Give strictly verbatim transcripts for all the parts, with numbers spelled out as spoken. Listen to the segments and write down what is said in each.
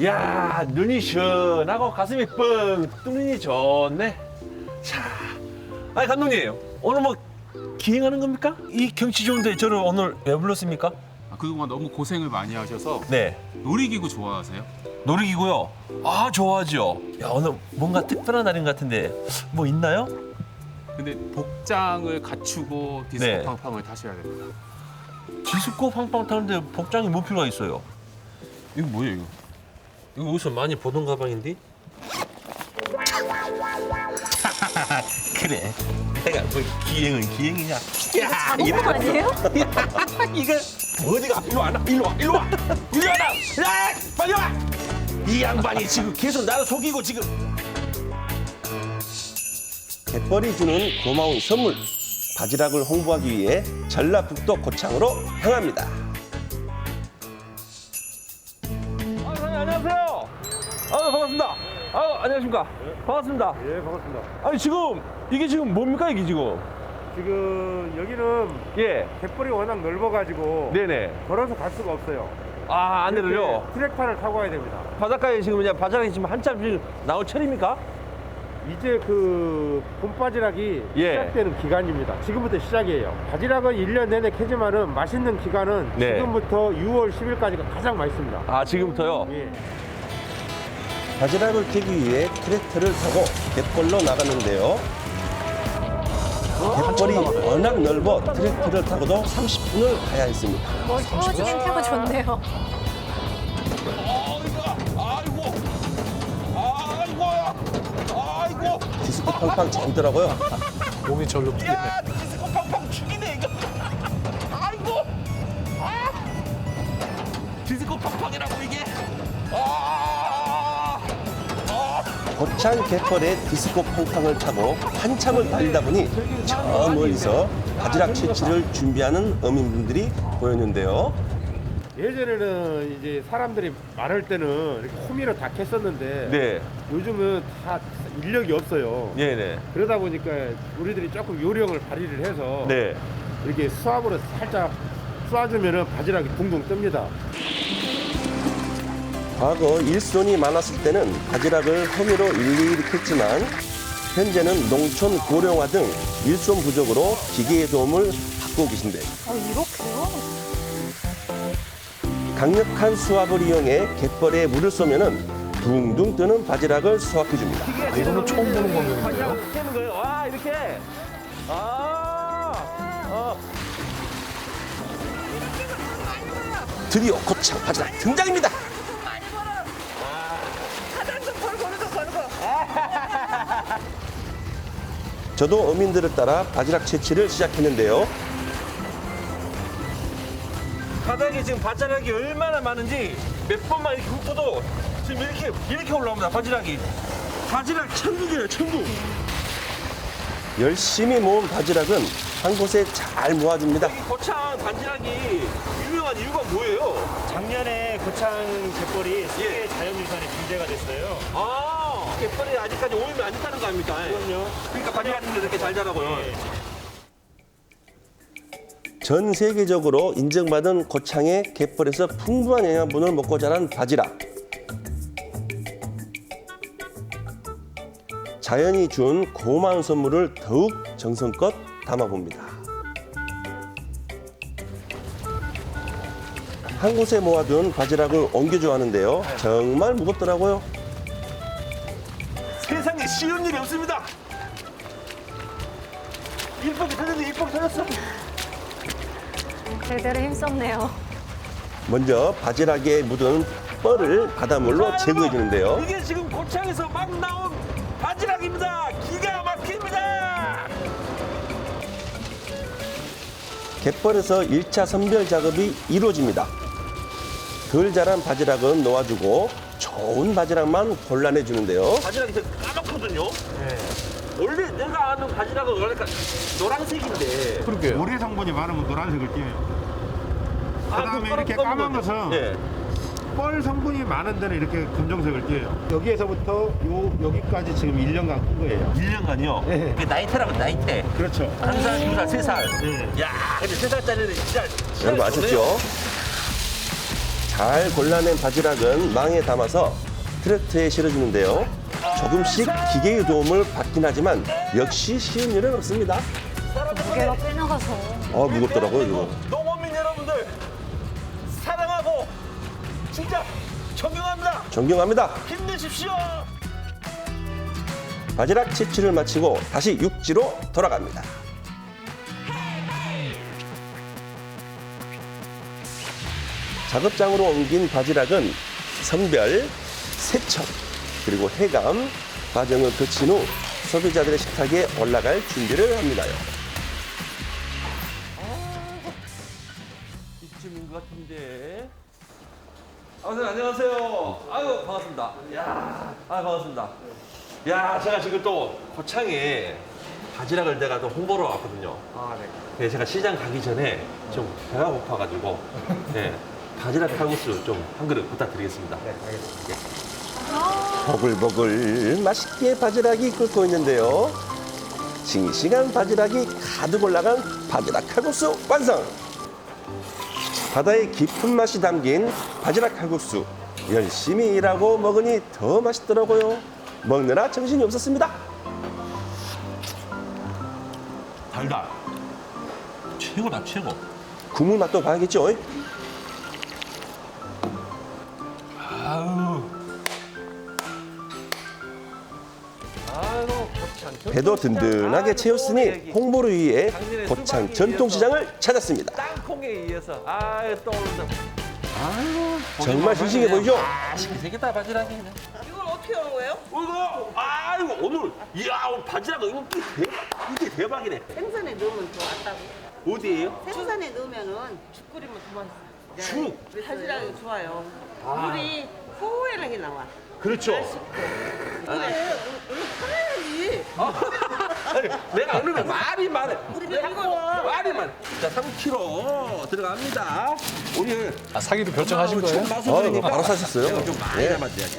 이야, 눈이 시원하고 가슴이 뻥 뚫리니 좋네. 자, 아니 감독님, 오늘 뭐 기행하는 겁니까? 이 경치 좋은데 저를 오늘 왜 불렀습니까? 아, 그동안 너무 고생을 많이 하셔서 네, 놀이기구 좋아하세요? 놀이기구요. 아, 좋아하죠. 야, 오늘 뭔가 특별한 날인 것 같은데 뭐 있나요? 근데 복장을 갖추고 디스코 네. 팡팡을 타셔야 됩니다. 디스코 팡팡 타는데 복장이 뭐 필요가 있어요? 이거 뭐예요, 이거? 이거 어디서 많이 보던 가방인데? 그래, 내가 뭐 기행은 기행이냐? 야, 자동차 아니에요? 이거 어디가? 일로 와, 일로 와, 일로 와, 일로 와라! 야, 빨리 와! 이 양반이 지금 계속 나를 속이고 지금. 갯벌이 주는 고마운 선물, 바지락을 홍보하기 위해 전라북도 고창으로 향합니다. 아, 사장님 안녕하세요. 아, 반갑습니다. 아, 안녕하십니까? 반갑습니다. 예, 반갑습니다. 아니 지금 이게 지금 뭡니까 이게 지금? 지금 여기는 예, 갯벌이 워낙 넓어가지고 네네. 걸어서 갈 수가 없어요. 아, 안내를요. 이렇게 트랙타를 타고 가야 됩니다. 바닷가에 지금 그냥 바지락이 지금 한참 지금 나올 철입니까? 이제 그 봄바지락이 예. 시작되는 기간입니다. 지금부터 시작이에요. 바지락은 일 년 내내 캐지만은 맛있는 기간은 네. 지금부터 유월 십일까지가 가장 맛있습니다. 아, 지금부터요? 예. 바지락을 캐기 위해 트랙터를 타고 갯벌로 나갔는데요. 갯벌이 워낙 넓어 트랙터를 타고도 삼십 분을 가야 했습니다. 멋지긴 타고 좋네요. 아이고, 아이고, 아이고. 디스코 팡팡 재밌더라고요. 몸이 절로 풀리네. 야, 디스코 팡팡 죽이네 이거. 아이고, 아, 디스코 팡팡이라고 이게. 아, 아. 고창 갯벌의 디스코 팡팡을 타고 한참을 달리다 보니 저 멀리서 바지락 채취를 준비하는 어민분들이 보였는데요. 예전에는 이제 사람들이 많을 때는 이렇게 호미로 다 캤었는데 네, 요즘은 다 인력이 없어요. 네네, 그러다 보니까 우리들이 조금 요령을 발휘를 해서 네. 이렇게 수압으로 살짝 쏴주면은 바지락이 둥둥 뜹니다. 과거 일손이 많았을 때는 바지락을 허미로 일일이 캤지만 현재는 농촌 고령화 등 일손 부족으로 기계의 도움을 받고 계신데요. 어, 이렇게요? 강력한 수압을 이용해 갯벌에 물을 쏘면은 둥둥 뜨는 바지락을 수확해줍니다. 아, 이거는 처음 보는 방법인데요. 깨는 거예요. 와, 이렇게. 아, 어. 드디어 고창 바지락 등장입니다. 저도 어민들을 따라 바지락 채취를 시작했는데요. 바닥에 지금 바지락이 얼마나 많은지 몇 번만 이렇게 훑어도 지금 이렇게 이렇게 올라옵니다. 바지락이. 바지락 천국이에요, 천국. 열심히 모은 바지락은 한 곳에 잘 모아집니다. 이 고창 바지락이 유명한 이유가 뭐예요? 작년에 고창 갯벌이 세계 예. 자연유산에 등재가 됐어요. 아, 갯벌이 아직까지 오염이 안 됐다는 거 아닙니까? 그럼요. 그러니까 바지락인데 이렇게 잘 자라고요. 예. 전 세계적으로 인정받은 고창의 갯벌에서 풍부한 영양분을 먹고 자란 바지락. 자연이 준 고마운 선물을 더욱 정성껏 담아봅니다. 한 곳에 모아둔 바지락을 옮겨줘 하는데요. 정말 무겁더라고요. 세상에 쉬운 일이 없습니다. 일복이 터졌네, 일복이 터졌어. 제대로 힘썼네요. 먼저 바지락에 묻은 뻘을 바닷물로 제거해 주는데요. 이게 지금 고창에서 막 나온 바지락입니다. 기가 막힙니다. 갯벌에서 일 차 선별 작업이 이루어집니다. 덜 자란 바지락은 놓아주고 좋은 바지락만 골라내 주는데요. 바지락이 되게 까맣거든요. 원래 내가 아는 바지락은 그러니까 노란색인데. 그러게요. 모래 성분이 많으면 노란색을 띄어요. 아, 그다음에 그 이렇게 검은 까만 거죠. 것은 예. 뻘 성분이 많은 데는 이렇게 검정색을 띄어요. 여기에서부터 요 여기까지 지금 일 년간 끈 거예요. 일 년간요? 예. 그게 나이테라고 나이테. 그렇죠. 한 살, 두 살, 세 살. 예. 야, 근데 세 살짜리는 진짜. 여러분 아셨죠? 잘 골라낸 바지락은 망에 담아서 트랙터에 실어주는데요. 조금씩 기계의 도움을 받긴 하지만 역시 쉬운 일은 없습니다. 무게가 꽤 나가서. 아, 무겁더라고요, 이거. 농어민 여러분들 사랑하고 진짜 존경합니다. 존경합니다. 힘내십시오. 바지락 채취를 마치고 다시 육지로 돌아갑니다. 작업장으로 옮긴 바지락은 선별, 세척, 그리고 해감 과정을 거친 후 소비자들의 식탁에 올라갈 준비를 합니다요. 이쯤인 것 같은데. 아, 선생님 안녕하세요. 아유 반갑습니다. 야, 아 반갑습니다. 야, 제가 지금 또 고창에 바지락을 내가 또 홍보로 왔거든요. 아, 네. 네, 제가 시장 가기 전에 좀 배가 고파가지고 네, 바지락 칼국수 좀 한 그릇 부탁드리겠습니다. 네, 알겠습니다. 보글보글 맛있게 바지락이 끓고 있는데요. 싱싱한 바지락이 가득 올라간 바지락 칼국수 완성! 바다의 깊은 맛이 담긴 바지락 칼국수. 열심히 일하고 먹으니 더 맛있더라고요. 먹느라 정신이 없었습니다. 달달. 최고다 최고. 국물 맛도 봐야겠죠? 아유. 아이고 고창. 배도 든든하게 채웠으니 홍보를 위해 고창 전통시장을 찾았습니다. 땅콩에 의해서 아유 떠오른다. 아유 정말 싱싱해 보이죠? 맛있게 생겼다 바지락이. 이걸 어떻게 하는 거예요? 이거 아이고 오늘 이야 오늘 바지락 이거 대박 이게 대박이네. 생선에 넣으면 더 낫다고. 어디에요? 생선에 넣으면은 죽 끓이면 더 맛있어. 죽? 바지락이 좋아요. 아. 물이 호호하게 나와. 그렇죠. 그래, 우리 팔아야지. 아니, 내가 어느 날 말이 많아. 우리가 이거 말이 많아. 자 삼 킬로그램 들어갑니다. 오늘 아, 사기도 결정하신 거예요? 어, 바로 사셨어요? 내가 좀 많이 예. 담아줘야지.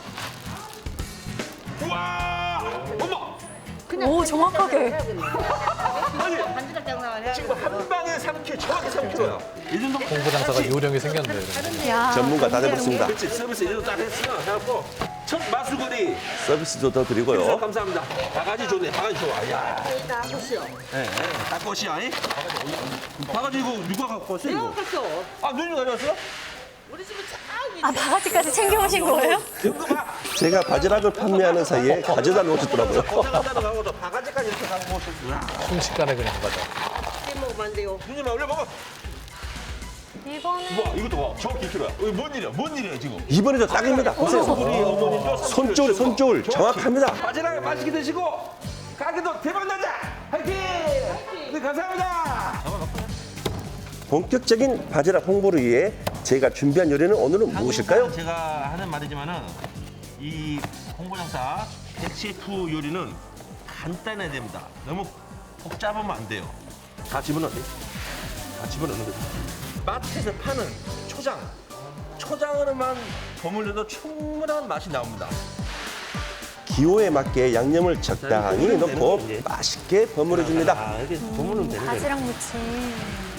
우와! 어머! 오, 정확하게. 아니 반지락 장난을 해야 지금 한 방에 삼 킬로그램 정확히 삼 킬로그램야. 이 정도 홍보장사가 요령이 생겼네요. 야. 전문가 다 돼봤습니다. 그렇지 서비스 이 정도 딱 했으면 해갖고 첫 마수거리 서비스도 더 인사 드리고요. 감사합니다. 바가지 좋네. 바가지 좋아. 야. 다 보시오. 예, 예. 닭것이야. 이? 바가지 이거 누가 갖고 왔어 내가 이거? 갔어. 아 누님 가져왔어? 우리 집에 쫙 아, 바가지까지 챙겨오신 거예요? 이거 봐. 제가 바지락을 판매하는 사이에 가져다 놓으셨더라고요. 고생한다고 하고 또 바가지까지 이렇게 갖고 오셨구나. 순식간에 그냥 가자. 있게 먹으면 안 돼요. 누님 올려 먹어. 이번에 와 이것도 봐. 정확히 일 킬로그램야. 이거 뭔 일이야? 뭔 일이야 지금? 이번에도 딱입니다. 보세요. 우리 어머님도 손줄, 손줄 정확합니다. 바지락 맛있게 드시고 가게도 대박 나자. 화이팅! 네 감사합니다. 본격적인 바지락 홍보를 위해 제가 준비한 요리는 오늘은 무엇일까요? 제가 하는 말이지만은 이 홍보장사 백 셰프 요리는 간단해야 됩니다. 너무 복잡하면 안 돼요. 다 집어넣어요. 다 집어넣는 거죠. 마트에서 파는 초장, 초장으로만 버무려도 충분한 맛이 나옵니다. 기호에 맞게 양념을 적당히 넣고 맛있게 버무려 줍니다. 아, 이렇게 버무리면 되는 거예요. 바지락 무침.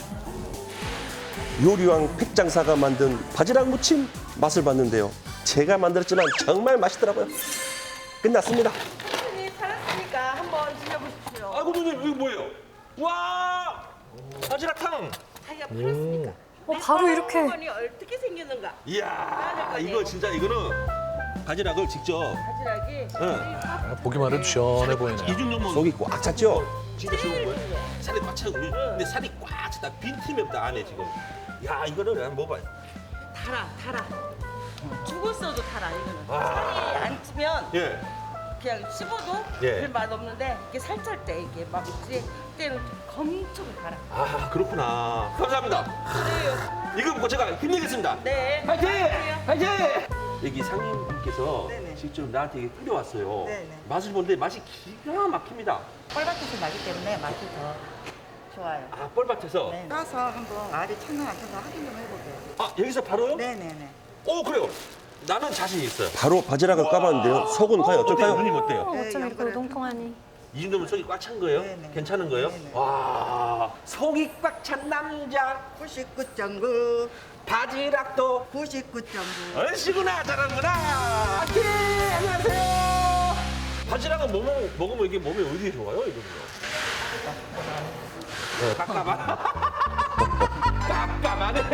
요리왕 팩장사가 만든 바지락 무침 맛을 봤는데요. 제가 만들었지만 정말 맛있더라고요. 끝났습니다. 손님 살았으니까 한번 드셔보십시오. 아이고 누님 이거 뭐예요? 와 바지락탕. 자기가 팔았으니까. 어, 바로 이렇게. 한번이 어떻게 생겼는가? 이야 이거 진짜 이거는 바지락을 직접 바지락이 응. 아, 보기만 해도 시원해 보이네요. 이 정도면 속이 꽉 찼죠? 진짜 좋은 거예요. 살이 꽉 차고 근데 살이 꽉 차다 빈 틈이 없다 안에 지금. 야 이거는 한번 먹어봐요. 달아, 달아. 죽었어도 달아, 이거는. 아. 살이 안 찌면 예. 그냥 씹어도 예. 별 맛 없는데 이게 살짝 때 이게 막 먹지 때는 엄청 달아. 아 그렇구나. 감사합니다. 이거 먹고 제가 힘내겠습니다. 네. 파이팅! 감사합니다. 파이팅! 여기 상인분께서 네네. 직접 나한테 이게 끓여왔어요. 네네. 맛을 보는데 맛이 기가 막힙니다. 뻘밭에서 나기 때문에 맛이 더 좋아요. 아 뻘밭에서. 네. 따서 한번 알이 찼나 안 찼나 확인 좀 해보세요. 아 여기서 바로요? 네네네. 오 그래요. 나는 자신 있어요. 바로 바지락을 까봤는데요. 속은 과연 어때요? 어떨까요? 누님 어때요? 어, 어쩜 이렇게 우동통하니. 이 정도면 속이 꽉 찬 거예요? 네네. 괜찮은 거예요? 네네. 와, 속이 꽉 찬 남자 구십구 점 구, 바지락도 구십구 점 구. 얼씨구나 잘하는구나. 예, 안녕하세요. 바지락은 먹으면, 먹으면 이게 몸에 어디에 좋아요? 이거는요? 네, 깝깝한. 깝깝하네.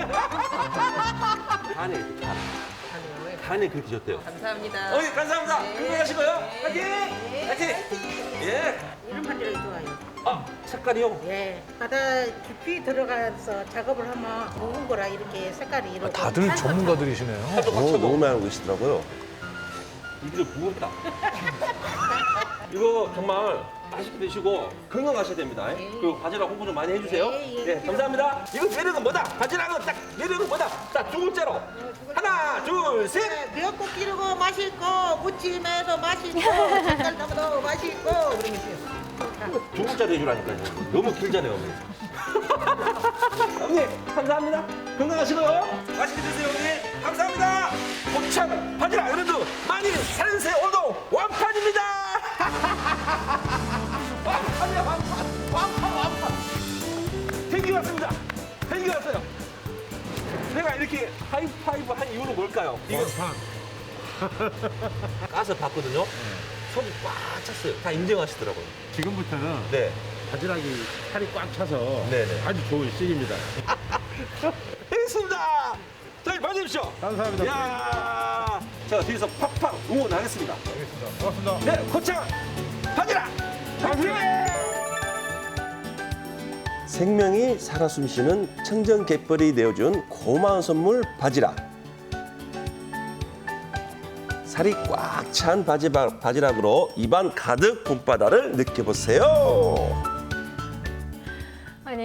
간에 간. 간에 그렇게 좋대요. 감사합니다. 어이, 감사합니다. 건강하시고요. 화이팅! 화이팅! 예. 이런 바지락이 좋아요. 아, 색깔이요? 예, 바다 깊이 들어가서 작업을 하면 좋은 거라 이렇게 색깔이 이렇게. 다들 전문가들이시네요. 오, 너무 많이 알고 계시더라고요. 이게 무겁다. 이거 정말 맛있게 드시고 건강하셔야 됩니다. 그리고 바지락 홍보 좀 많이 해주세요. 예, 예. 네, 감사합니다. 이거 매력은 뭐다? 바지락은 딱 매력은 뭐다? 딱 두 글자로. 하나, 둘, 셋. 네, 미역국 기르고 맛있고 무침해서 맛있고 색깔 담아도 맛있고 그러면서요. 두 글자로 해주라니까요. 너무 길잖아요, 어머니. 어머니, 감사합니다. 건강하시고요. 맛있게 드세요, 어머니. 감사합니다. 곱창, 바지락, 여러분들 많이 사랑해주세요. 오늘도 완판입니다. 완판이야, 완판. 완판, 완판. 헬기 왔습니다. 헬기 왔어요. 내가 이렇게 하이파이브 한 이유는 뭘까요? 이거 가서 봤거든요. 속이 꽉 찼어요. 다 인정하시더라고요. 지금부터는 네. 바지락이 살이 꽉 차서 네네. 아주 좋은 씬입니다. 알겠습니다. 저희 봐주십시오. 감사합니다. 야, 제가 뒤에서 팍팍 응원하겠습니다. 알겠습니다. 고맙습니다. 네, 고창 바지락 파이팅! 생명이 살아 숨쉬는 청정 갯벌이 내어준 고마운 선물 바지락. 살이 꽉 찬 바지락, 바지락으로 입안 가득 봄바다를 느껴보세요.